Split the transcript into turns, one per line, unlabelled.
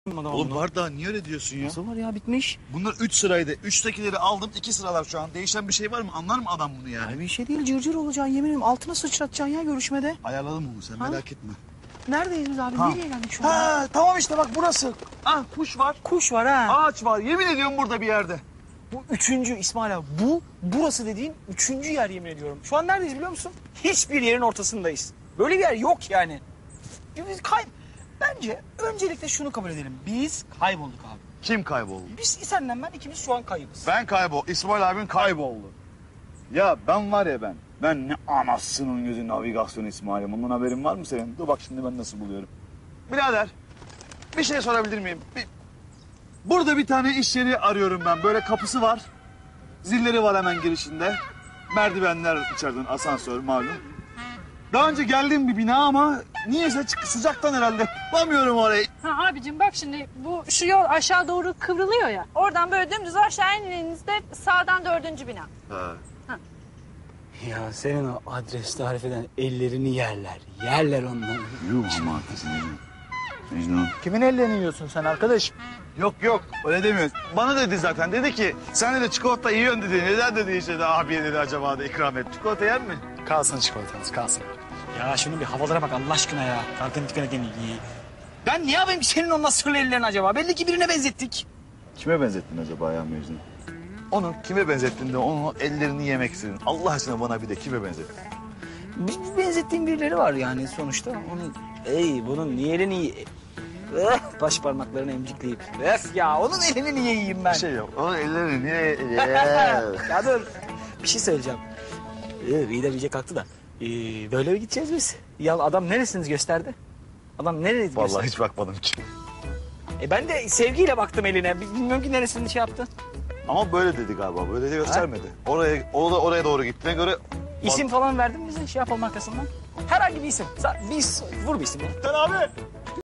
Oğlum var daha niye öyle diyorsun ya?
Nasıl var ya, bitmiş.
Bunlar 3 sıraydı. 3'tekileri aldım 2 sıralar şu an. Değişen bir şey var mı? Anlar mı adam bunu yani?
Ya bir şey değil, cırcır olacaksın, yemin ederim altına sıçratacaksın ya görüşmede.
Ayarladım onu sen merak etme.
Neredeyiz biz abi?
Ha.
Nereye geldik şu an?
Ha tamam işte bak burası. Ah kuş var.
Kuş var ha.
Ağaç var. Yemin ediyorum burada bir yerde.
Bu üçüncü İsmail abi. Burası dediğin üçüncü yer, yemin ediyorum. Şu an neredeyiz biliyor musun? Hiçbir yerin ortasındayız. Böyle bir yer yok yani. Biz Bence öncelikle şunu kabul edelim. Biz kaybolduk abi.
Kim kayboldu?
Biz senle ben ikimiz şu an kaybız.
Ben İsmail abin kayboldu. Ya ben var ya ben. Ben ne anasının gözü navigasyon İsmail'im. Bundan haberin var mı senin? Dur bak şimdi ben nasıl buluyorum. Birader bir şey sorabilir miyim? Burada bir tane iş yeri arıyorum ben. Böyle kapısı var. Zilleri var hemen girişinde. Merdivenler içeriden asansör malum. Daha önce geldiğim bir bina ama niyeyse sıcaktan herhalde bulamıyorum orayı.
Ha abicim bak şimdi şu yol aşağı doğru kıvrılıyor ya. Oradan böyle dümdüz aşağı indiğinizde sağdan 4. bina.
Ha.
Ya senin o adres tarif eden ellerini yerler. Yerler onları.
Yuh ama kızım. Mecnun.
Kimin ellerini yiyorsun sen arkadaş?
Yok öyle demiyor. Bana dedi zaten dedi ki sen de çikolata yiyorsun dedi. Neden dedi işte de abiye dedi acaba da ikram et. Çikolata yer mi?
Kalsın çikolatanız, kalsın. Ya şunun bir havalara bak Allah aşkına ya. Kalkın dikkat edin. Ben ne yapayım senin onunla sırlı ellerini acaba? Belli ki birine benzettik.
Kime benzettin acaba ya Mecnun? Onu kime benzettin de onun ellerini yemek istedin. Allah aşkına bana bir de kime benzettin?
Bir benzettiğim birileri var yani sonuçta. Onun, bunun niye elini... baş parmaklarını emcikleyip. Ya onun elini niye yiyeyim ben?
Bir şey yok. Onun ellerini niye...
Ya dur. Bir şey söyleyeceğim. İyi de iyice kalktı da. Böyle mi gideceğiz biz? Ya adam neresiniz gösterdi? Adam neresi
Vallahi
gösterdi?
hiç bakmadım ki.
Ben de sevgiyle baktım eline. Bilmiyorum ki neresini şey yaptı.
Ama böyle dedi galiba. Böyle de göstermedi. Oraya doğru gittiğine göre...
İsim falan verdin mi bize şey yapalım arkasından? Herhangi bir isim. Vur bir isim ya.
Sen abi